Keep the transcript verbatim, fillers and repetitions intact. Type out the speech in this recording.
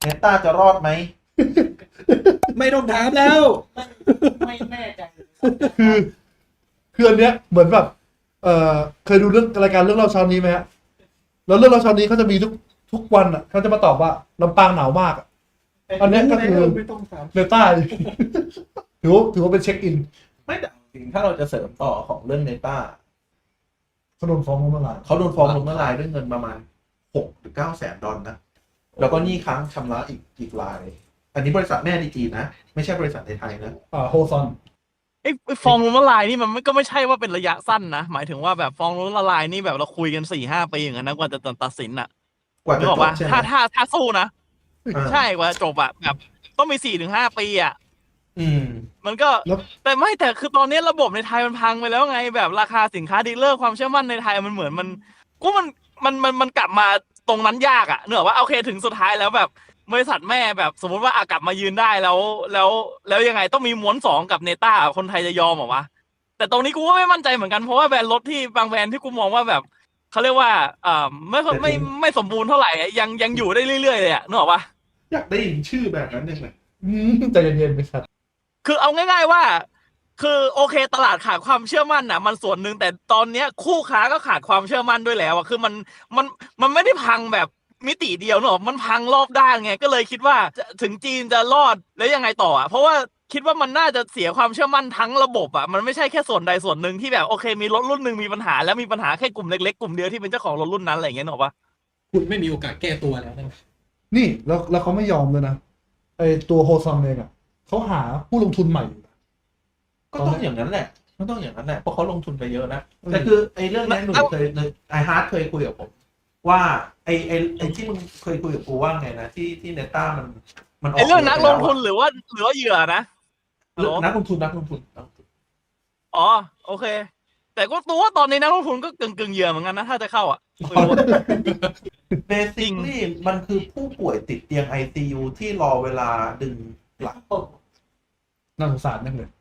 เนต้าจะรอดไหมไม่ต้องถามแล้วไม่แน่ใจเลยคือคืออันเนี้ยเหมือนแบบเอ่อเคยดูเรื่องรายการเรื่องเล่าเช้านี้ไหมฮะแล้วเรื่องเล่าเช้านี้เขาจะมีทุกทุกวันอ่ะเขาจะมาตอบว่าลำปางหนาวมากอะอันเนี้ยก็คือไม่ต้องถามเนต้าถือว่าถือว่าเป็นเช็คอินไม่แต่จริงถ้าเราจะเสริมต่อของเรื่องเนต้าเขาโดนฟ้องล้มละลายเขาโดนฟ้องล้มละลายด้วยเงินประมาณหกหรือเก้าแสนดอลนะแล้วก็หนี้ค้างชำระอีกอีกราย อันนี้บริษัทแม่ในจีนนะไม่ใช่บริษัทในไทยนะอ่าโฮซอนไอ้ไอ้ฟองล้มละลายนี่มันไม่ก็ไม่ใช่ว่าเป็นระยะสั้นนะหมายถึงว่าแบบฟองล้มละลายนี่แบบเราคุยกันสี่ห้าปีอย่างนั้นนะกว่าจะตัดสินอ่ะกว่านึจะกอจอกบปะใช่ไหมถ้าถ้าถ้าสู้นะอ่าใช่กว่าจะจบอะแบบต้องมีสี่ถึงห้าปีอะอืมมันก็แล้วแต่ไม่แต่คือตอนนี้ระบบในไทยมันพังไปแล้วไงแบบราคาสินค้าดีลเลอร์ความเชื่อมั่นในไทยมันเหมือนมันกูมันมันมันมันกลับมาตรงนั้นยากอะเนกอะว่าโอเคถึงสุดท้ายแล้วแบบบริษัทแม่แบบสมมติว่าอากลับมายืนได้แล้วแล้วแล้วยังไงต้องมีม้วนสองกับเนต้าคนไทยจะยอมเหรอวะแต่ตรงนี้กูก็ไม่มั่นใจเหมือนกันเพราะว่าแบรนด์รถที่บางแบรนด์ที่กูมองว่าแบบเขาเรียกว่าอ่าไม่ค่อยไม่ไม่สมบูรณ์เท่าไหร่อะยังยังอยู่ได้เรื่อยๆเลยอะนึกออกปะอยากได้ยินชื่อแบบนั้นยังไงอืมใจเย็นๆไปสัตว์คือเอาง่ายๆว่า คือโอเคตลาดขาดความเชื่อมั่นนะมันส่วนหนึ่งแต่ตอนเนี้ยคู่ค้าก็ขาดความเชื่อมั่นด้วยแล้วอะคือมันมันมันไม่ได้พังแบบมิติเดียวเนอะมันพังรอบด้านไงก็เลยคิดว่าจะถึงจีนจะรอดแล้วยังไงต่ออะเพราะว่าคิดว่ามันน่าจะเสียความเชื่อมั่นทั้งระบบอะมันไม่ใช่แค่ส่วนใดส่วนหนึ่งที่แบบโอเคมีรถรุ่นหนึ่งมีปัญหาแล้วมีปัญหาแค่กลุ่มเล็กๆกลุ่มเดียวที่เป็นเจ้าของรถรุ่นนั้นอะไรอย่างเงี้ยเนอะปะคุณไม่มีโอกาสแก้ตัวแล้วนะนี่แล้วแล้วเขาไม่ยอมเลยนะไอตัวโฮซอนเองอ่ะเขาหาผู้ลงทุนใหม่อยู่นะก็ต้องอย่างนั้นแหละก็ต้องอย่างนั้นแหละเพราะเขาลงทุนไปเยอะนะอืมแต่คือไอ้เรื่องนี้หนุ่ยเคยไอฮาร์ดเคยคุยกับผม ว่าไอ้ไอ้ไอ้ที่มึงเคยคุยกับกูว่าไงนะที่ที่เนต้ามันมันออกไอ้เรื่องนักลงทุนไปหรือว่าหรือว่าเหยื่อนะแล้วอะนักลงทุนนักลงทุนนักลงทุนอ๋อโอเค แต่ก็ตัวว่าตอนนี้นักลงทุนก็กึ่งกึ่งๆเหยื่อเหมือนกันนะถ้าจะเข้าอ่ะไม่รู้อะเบสิคลี่มันคือผู้ป่วยติดเตียง ไอ ซี ยู ที่รอเวลาดึงหลังน่าสงสารนั่นเลย